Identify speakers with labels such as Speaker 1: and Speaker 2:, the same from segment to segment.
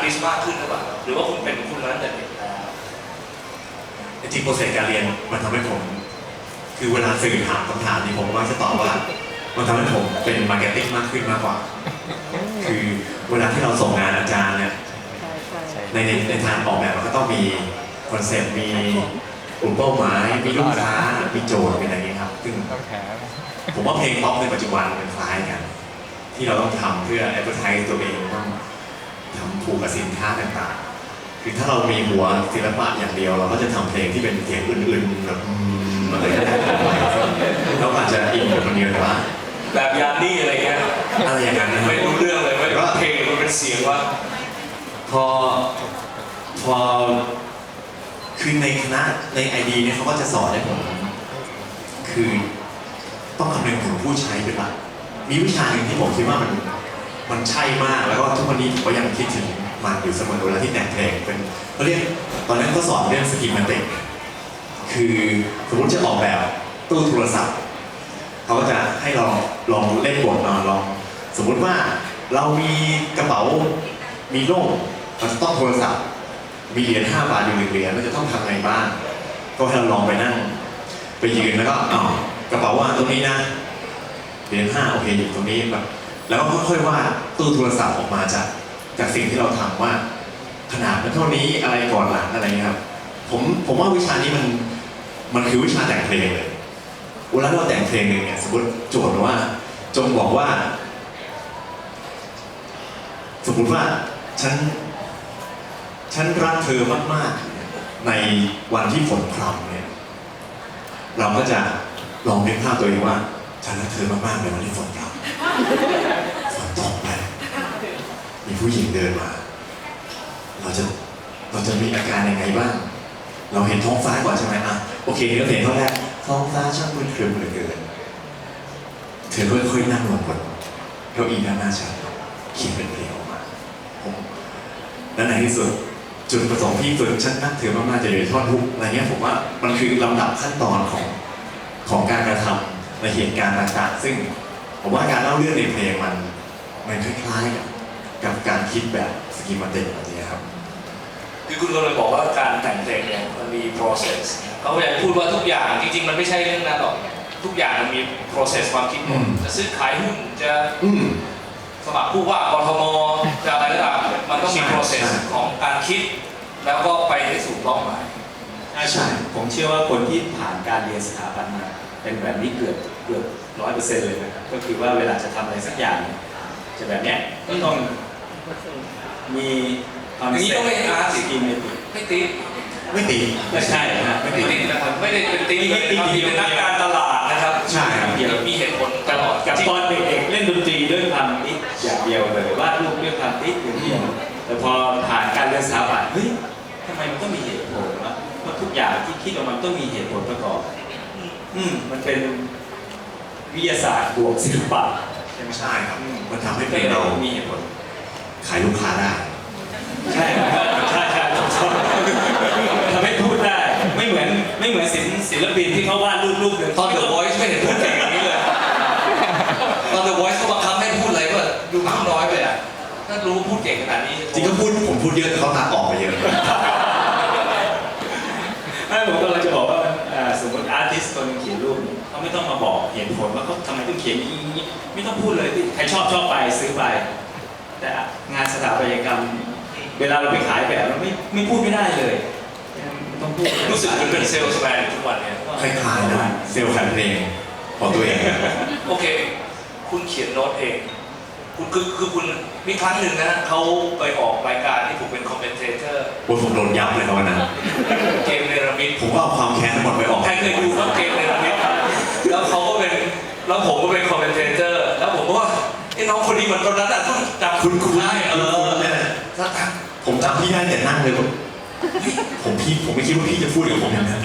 Speaker 1: ติสต์มากขึ้นหรือเปล่าหรือว่าคุณเป็นคุณนั้นแต่เด็ก
Speaker 2: จริงโปรเซสการเรียนมันทำให้ผมคือเวลาสื่อถามคำถามนี้ผมก็จะตอบว่ามันทำให้ผมเป็นมาร์เก็ตติ้งมากขึ้นมากกว่าคือเวลาที่เราส่งงานอาจารย์เนี่ยในทางออกแบบมันก็ต้องมีคอนเซ็ปต์มีกลุ่มเป้าหมายมีลูกค้ามีโจทย์เป็นอะไรอย่างนี้ครับซึ่งผมว่าเพลงป๊อปในปัจจุบันมันคล้ายกันที่เราต้องทำเพื่อแอดเวอร์ไทซ์ตัวเองต้องทำผูกกับสินค้าต่างๆคือถ้าเรามีหัวศิลปะอย่างเดียวเราก็จะทำเพลงที่เป็นเสียงอื่นๆแบบอะไรก็ได้เราอาจจะอินกับคนเดียวแต่ว่า
Speaker 1: แบบยานนี่อะไรเงี้ย
Speaker 2: อะไรอย่างนั้น
Speaker 1: ไม่รู้เรื่องเลยไม่ว่าเพลงมันเป็นเสียงว่า
Speaker 2: พอคือในคณะในไอดีเนี่ยเขาก็จะสอนให้ผมคือต้องคำนึงถึงผู้ใช้เป็นหลักมีวิชาหนึ่งที่ผมคิดว่ามันใช่มากแล้วก็ทุกวันนี้ผมก็ยังคิดถึงมันอยู่เสมอเวลาที่แต่งเพลงเป็นเขาเรียกตอนนั้นเขาสอนเรื่องสกิมมันติกคือสมมติจะออกแบบตู้โทรศัพท์เขาก็จะให้เราลองเล่นบทลองสมมุติว่าเรามีกระเป๋ามีโล่เราจะต้องโทรศัพท์มีเหรียญ5 บาทอยู่1 เหรียญเราจะต้องทำไงบ้างก็ให้เราลองไปนั่งไปยืนแล้วก็กระเป๋าว่าตรงนี้นะเหรียญ5โอเคอยู่ตรงนี้แบบแล้วก็ค่อยๆว่าตู้โทรศัพท์ออกมาจากสิ่งที่เราทำว่าขนาดมันเท่านี้อะไรก่อนหลังอะไรครับผมว่าวิชานี้มันคือวิชาแต่งเพลงเลยเวลาเราแต่งเพลงหนึ่งเนี่ยสมมติโจทย์ว่าจงบอกว่าสมมติว่าฉันรักเธอมากๆในวันที่ฝนพรำเนี่ยเราก็จะลองนึกภาพตัวเองว่าฉันรักเธอมากๆในวันที่ฝนพรำฝนตกไปมีผู้หญิงเดินมาเราจะมีอาการยังไงบ้างเราเห็นท้องฟ้าก่อนใช่ไหมโอเคเราเห็นท่อนแรกท้องฟ้าช่างมืดครึ้มเหลือเกินเธอค่อยๆนั่งลงบนเก้าอี้ด้านหน้าฉันเขียนเป็นเพลงออกมาและในที่สุดจุดประสงค์ที่ฝึกฉันนักถือมากๆจะอยู่ในท่อนฮุกอะไรเงี้ยผมว่ามันคือลำดับขั้นตอนของการกระทำในเหตุการณ์ต่างๆซึ่งผมว่าการเล่าเรื่องในเพลงมันคล้ายๆกับการคิดแบบสกิมมาติกแบบนี้ครับ
Speaker 1: คือคุณก็เลยบอกว่าการแต่งเพลงเนี่ยมันมี process เขาอยากพูดว่าทุกอย่างจริงๆมันไม่ใช่เรื่องนั้นหรอกทุกอย่างมันมี process ความคิดจะซื้อขายหุ้นจะสมัครผู้ว่ากทมจะอะไรก็ตามมันต้องมี process ของการคิดแล้วก็ไปให้สู่เป้าหมาย
Speaker 3: ใช่ผมเชื่อว่าคนที่ผ่านการเรียนสถาปัตย์มาเป็นแบบนี้เกือบ100%เลยนะครับก็คือว่าเวลาจะทำอะไรสักอย่างจะแบบเนี้ยก็ต้องมี
Speaker 1: ความนี้ต้องไม่อาร์ต
Speaker 3: กิน
Speaker 1: ไม่ตี
Speaker 3: ไม่ใช่นะ
Speaker 1: ไม่ตีนะครับไม่ได้เป็นตีเป็นนักการตลาดนะครับ
Speaker 3: ใช่ครับ
Speaker 1: มีเหตุผลตลอด
Speaker 3: กับตอนเด็กๆเล่นดนตรีด้วยความติดอย่างเดียวเลยวาดรูปด้วยความติดอย่างเดียวแต่พอผ่านการเรียนสถาปัตย์เฮ้ยทำไมมันต้องมีเหตุผลวะเพราะทุกอย่างที่คิดออกมาต้องมีเหตุผลประกอบมันเป็นวิทยาศาสตร์บวกศิลปะ
Speaker 2: ใช่ครับมันทำให้เรา
Speaker 3: มีเหตุผล
Speaker 2: ขายลูกค้าได้
Speaker 3: ใช่ทำให้พูดได้ไม่เหมือนศิลปินที่เขาวาดรูป
Speaker 1: ตอน The Voice ไม่เห็นพูดเก่งอย่างนี้เลยตอน The Voice เขาบังคับให้พูดอะไรก็ดูมากน้อยไปอ่ะถ้ารู้พูดเก่งขนาดนี้
Speaker 2: จริงก็ผมพูดเยอะแต่เขาตัดออกไปเยอะ
Speaker 3: ผมกำลังจะบอกว่าสมมติอาร์ติสต์คนเขียนรูปเขาไม่ต้องมาบอกเหตุผลว่าเขาทำไมต้องเขียนอย่างนี้ไม่ต้องพูดเลยใครชอบไปซื้อไปแต่งานสถาปัตยกรรมเวลาเราไปขายแบบเราไม่พูดไม่ได้เลย
Speaker 1: ต้องพูดรู้สึกมันเป็นเซลล์แมนทุกวันเนี่ย
Speaker 2: คล้ายๆนะเซลล์ขายเพลงของตัวเอง
Speaker 1: โอเคคุณเขียนโน้ตเองคุณคือคุณมีครั้งหนึ่งนะเขาไปออกรายการที่ผมเป็นคอมเมนเทเตอร์
Speaker 2: ผมโดนยับเลยครับวันนั้น
Speaker 1: เกมเนรมิต
Speaker 2: ผมก็เอาความแค้นทั้งหมดไปออก
Speaker 1: ใครเคยดูครับเกมเนรมิตแล้วเขาก็เป็นแล้วผมก็เป็นคอมเมนเทเตอร์แล้วผมก็ว่าไอ้น้องคนนี้เหมือนตอนนั้นต้องจำ
Speaker 2: คุณ
Speaker 1: ได้
Speaker 2: ผมจำพี่ได้แต่นั่งเลยผมไม่คิดว่าพี่จะพูดกับผมอย่างนั้น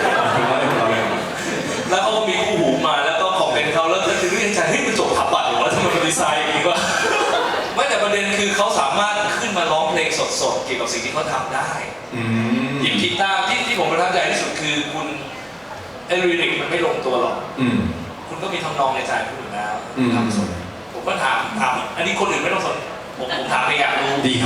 Speaker 1: แล้วเขาก็มีคู่หูมาแล้วก็คอมเมนต์เขาแล้วก็ถึงเรื่องใจเฮ้ยมันจบทับบัตรหรือว่าทำไมมันดีไซน์อย่างนี้วะไม่แต่ประเด็นคือเขาสามารถขึ้นมาร้องเพลงสดๆเกี่ยวกับสิ่งที่เขาทำได้หยิบกีตาร์ที่ผมประทับใจที่สุดคือคุณลิริกมันไม่ลงตัวหรอกคุณก็มีทำนองในใจคุณอยู่แล้วทำสดผมก็ถามอันนี้คนอื่นไม่ต้องสนผมถามไปอยากรู้
Speaker 2: ดีครับ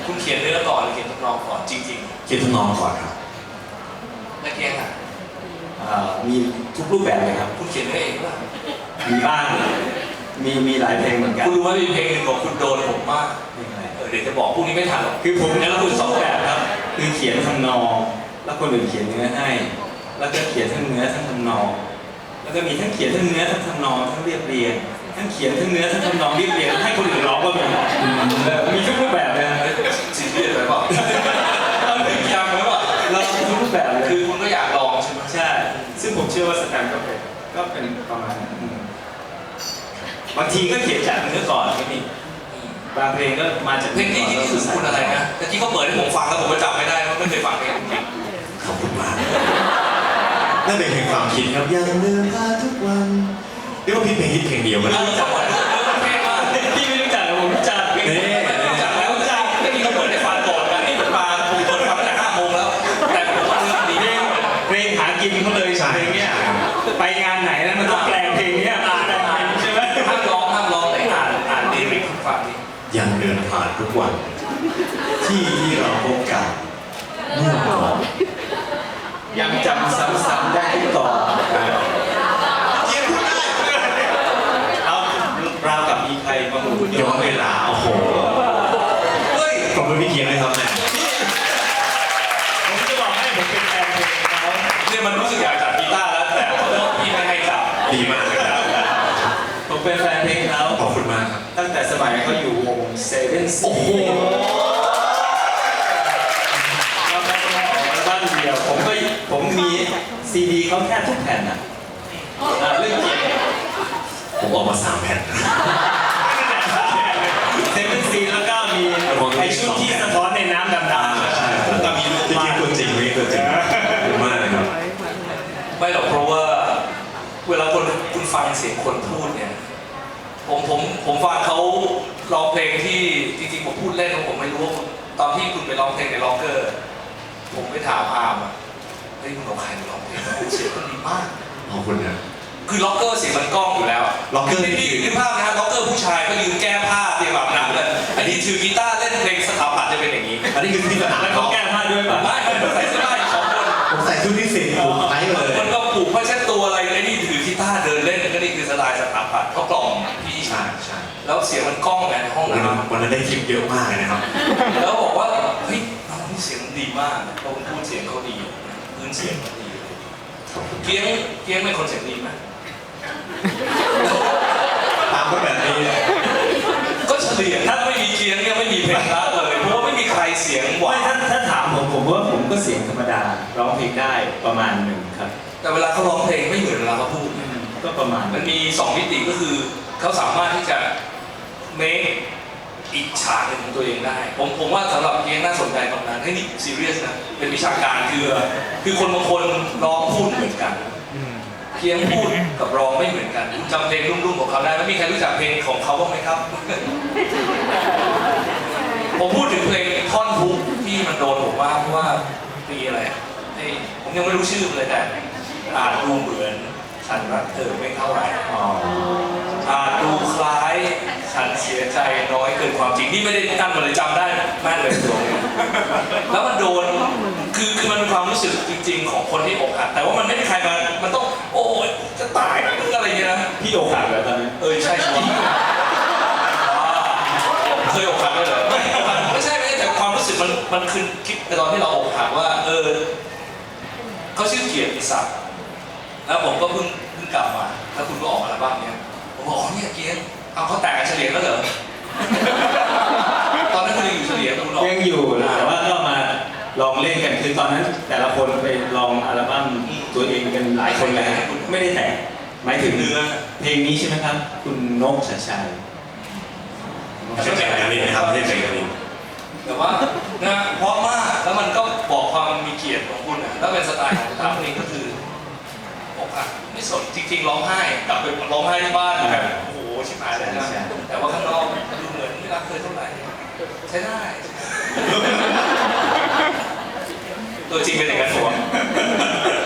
Speaker 1: คุณเขียนเนื้อก่อนหรือเขียนทำนองก่อนจริง
Speaker 2: เขียนทำนองก่อนครับ
Speaker 1: ๆแล้วเกียงอ่ะ
Speaker 3: มีทุกรูปแบบเลยครับ
Speaker 1: คุณเขียนเนื้อเองป่ะ
Speaker 3: มีบ้างมีหลายเพลงเหมือนกัน
Speaker 1: คุณรู้ว่ามีเพลงหนึ่งของคุณโดนผมมาก
Speaker 3: เพลงอะไร
Speaker 1: เดี๋ยวจะบอกพรุ่งนี้ไม่ทันหรอก
Speaker 3: คือผม
Speaker 1: แล้วคุณสองแบบครับ
Speaker 3: คือเขียนทำนอง แล้วคนอื่นเขียนเนื้อให้ แล้วก็เขียนทั้งเนื้อทั้งทำนอง แล้วก็มีทั้งเขียนทั้งเนื้อทั้งทำนองทั้งเรียบเรียงทั้งเขียนทั้งเนื้อทั้งทำนองเรียบเรียงให้คนอื่นร้องก็มีมีทุกรูปแบบเลยนะ
Speaker 1: ซีเรียสไปเปล่าเอาหนึ่งอย่างไหมวะ
Speaker 3: เราทุกรูปแบบเลย
Speaker 1: คือคุณก็อยากลองใช่ไหม
Speaker 3: ใช่ ซึ่งผมเชื่อว่าสแตมป์ก็เป็นประมาณนั้นบางทีก็เขียนจากเนื้อก่อนก็มีบางเพลงก็มาจาก
Speaker 1: เพลงที่ที่สุดคุณอะไรนะแต่ที่เขาเปิดให้ผมฟังแล้วผมก็จำไม่ได้ว่าไม่เคยฟังเพลงจริง
Speaker 2: ขอบคุณมากนั่นเป็นเพลงความคิดครับยังเดินผ่านทุกวันเรียกว่าพี่เพลงฮิตเพลงเดียวมัน
Speaker 1: ๆเราจังหวัดเรื่องเพลงมา
Speaker 3: พี่ไม่รู้จักแต่ผมรู้จัก
Speaker 1: ไม่รู้จักแล้วไม่มีเขาเปิดให้ฟังก่อนกันนี่ผมมาผมเปิดฟังตั้งแต่5 โมงแล้ว แต่ผมว่าเรื่องดี
Speaker 3: เพลงหากินเขาเลยเพลงเนี้ยไปงานไหนแล้วมันต้องแปลงเพลงเนี้ยมาได้ใช่ไหม
Speaker 1: ห้ามร้องแต่อ่านดีริกฟังดิ
Speaker 2: ยังเดินผ่านทุกวัน ที่เราพบกันเมื่อก่อน
Speaker 3: ยังจำซ้ำๆได้ทุกต่อ
Speaker 2: เยี่ยมได้
Speaker 3: เอาราวกับมีใครมาหมุน
Speaker 2: ย้อนเวลาโอ้โห
Speaker 1: เฮ้ย
Speaker 2: ขอบคุณพี่เกียงเลยครับแม่
Speaker 3: ผมจะบอกให้ผมเป็นแฟนเพลงเขา
Speaker 1: เนี่ยมันรู้สึกอยากจับกีตาร์แล้วแต่ขอโทษพี่ไม่ให้จับ
Speaker 2: ดีมากเลยครับ
Speaker 3: ผมเป็นแฟนเพลงเขา
Speaker 2: ขอบคุณมากครับ
Speaker 3: ตั้งแต่สมัยเขาอยู่วงเซเว่นซี
Speaker 1: โอ้โห
Speaker 3: แล้วก็ออกอัลบั้มเดียวผมมีซีดีเขาแค่ทุกแผ่นอ่ะเรื่องจริง
Speaker 2: ผมออกมา3 แผ่น
Speaker 3: เซเว่นซีแล้วก็มีไอชุดที่สะท้อนในน้ำดำๆ
Speaker 2: ใช่แล้วก็มีลูกพี่เกียงตัวจริงตัวจริงขอบคุณมากเลยครับ
Speaker 1: ไม่หรอกเพราะว่าเวลาคุณฟังเสียงคนพูดเนี่ยผมฟังเขาร้องเพลงที่จริงๆผมพูดเล่นผมไม่รู้ว่าตอนที่คุณไปร้องเพลงในล็อกเกอร์ ผมไปถามอาร์มอ่ะเฮ้ยมึงเอาใครมาร้องเพลงเสียงมันดีมาก
Speaker 2: ขอบคุณนะ
Speaker 1: คือล็อกเกอร์เสียงมันก้องอยู่แล้ว
Speaker 2: ล็อกเกอร์
Speaker 1: ในที่นึกภาพนะฮะล็อกเกอร์ผู้ชายก็ยืนแก้ผ้าเตรียมอาบน้ำกันอันนี้ถือกีตาร์เล่นเพลงสถาปัตย์จะเป็นอย่างนี้
Speaker 2: อันนี้คือที่สนาม
Speaker 3: แล้วเขาแก้ผ้าด้วยป่ะ
Speaker 1: ไม่ใส่เสื้อผ้าอยู่2 คน
Speaker 2: ผมใส่ชุดที่10ผมไทยเลย
Speaker 1: มันก็ผูกผ้าเช็ดตัวอะไรไอ้นี่ถือกีตาร์เดินเล่นก็นี่คือสไตล์สถาปัตย์เขากล่อมพี่
Speaker 2: ใช่ใช่
Speaker 1: แล้วเสียงมันก้องไงในห้องน้
Speaker 2: วันนั้นได้ทิปเยอะมากเลยนะครับ
Speaker 1: ำแล้วบอกว่าเฮ้ยน้องนี่เสียงดีมากเพราะพูดเสียงเขาดีพื้นเสียงเขาดีเกียงเป็นคนเสียงดีไหม
Speaker 2: ตามก็แบบนี้
Speaker 1: ก็เฉลี่ยถ้าไม่มีเกียงเนี่ยไม่มีเพลงรักเลยเพราะว่าไม่มีใครเสียงหวา
Speaker 3: ไม่
Speaker 1: น
Speaker 3: ถ้าถามผมว่าผมก็เสียงธรรมดาร้องเพลงได้ประมาณหนึ่งครับ
Speaker 1: แต่เวลาเขาร้องเพลงไม่เหมือนเวลาเขาพูด
Speaker 3: ก็ประมาณ
Speaker 1: มันมี2 มิติก็คือเขาสามารถที่จะเมคอีกฉากหนึ่งของตัวเองได้ผมว่าสำหรับเกียงน่าสนใจตรงนั้นให้นี่ซีเรียสนะเป็นวิชาการคือคนบางคนร้องพูดเหมือนกันเกียงพูดกับร้องไม่เหมือนกันคุณจำเพลงรุ่มๆของเขาได้ไหมมีใครรู้จักเพลงของเขาบ้างไหมครับ ผมพูดถึงเพลงท่อนฮุกที่มันโดนผมว่าเพราะว่าปีอะไรอะผมยังไม่รู้ชื่อมันเลยแต่อาจดูเหมือนฉันรักเธอไม่เท่าไหร่อาจดูคล้ายฉันเสียใจน้อยเกินความจริงนี่ไม่ได้ตั้งมาเลยจำได้แม่นเลยตัวนี้แล้วมันโดนคือมันเป็นความรู้สึกจริง ๆ ของคนที่อกหักแต่ว่ามันไม่ได้ใครมันต้องโอ้ยจะตายอะไรอย่างเงี้ยนะ
Speaker 3: พี่อกหักแล้วตอนนี้
Speaker 1: ใช่จริงเคยอกหักเลยเหรอไม่ใช่แต่ความรู้สึกมันคือคิดในตอนที่เราอกหักว่าเขาชื่อเกียรติศักดิ์แล้วผมก็เพิ่งกลับมาแล้วคุณก็ออกอัลบั้มเนี้ยผมบอกเนี่ยเกียรติเอาเขาแต่งกันเฉลี่ยแล้วเหรอตอนนั้นคุณยังอยู่เฉลี่ยคุณออก
Speaker 3: ยังอยู่แต่ว่าก็มาลองเล่นกันคือตอนนั้นแต่ละคนไปลองอัลบั้มตัวเองกันหลายคนเลยไม่ได้แต่งหมายถึง
Speaker 1: เนื้อ
Speaker 3: เพลงนี้ใช่ไหมครับ คุณนกชัยชัย
Speaker 2: ไม่ใช่เพลงกันนี้นะครับไม่ใช่เพลงกันนี้
Speaker 1: แต่ว่านะเพราะมากแล้วมันก็บอกความมีเกียรติของคุณนะแล้วเป็นสไตล์ของทางนี้ก็คืออกหักไม่สนจริงๆร้องไห้กลับไปร้องไห้ที่บ้านแบบโอ้โหชิบหายเลยนะแต่ว่าข้างนอกดูเหมือนไม่รักเธอเท่าไหร่ใช้ได้ตัวจริงเป็นอย่างนั้นผม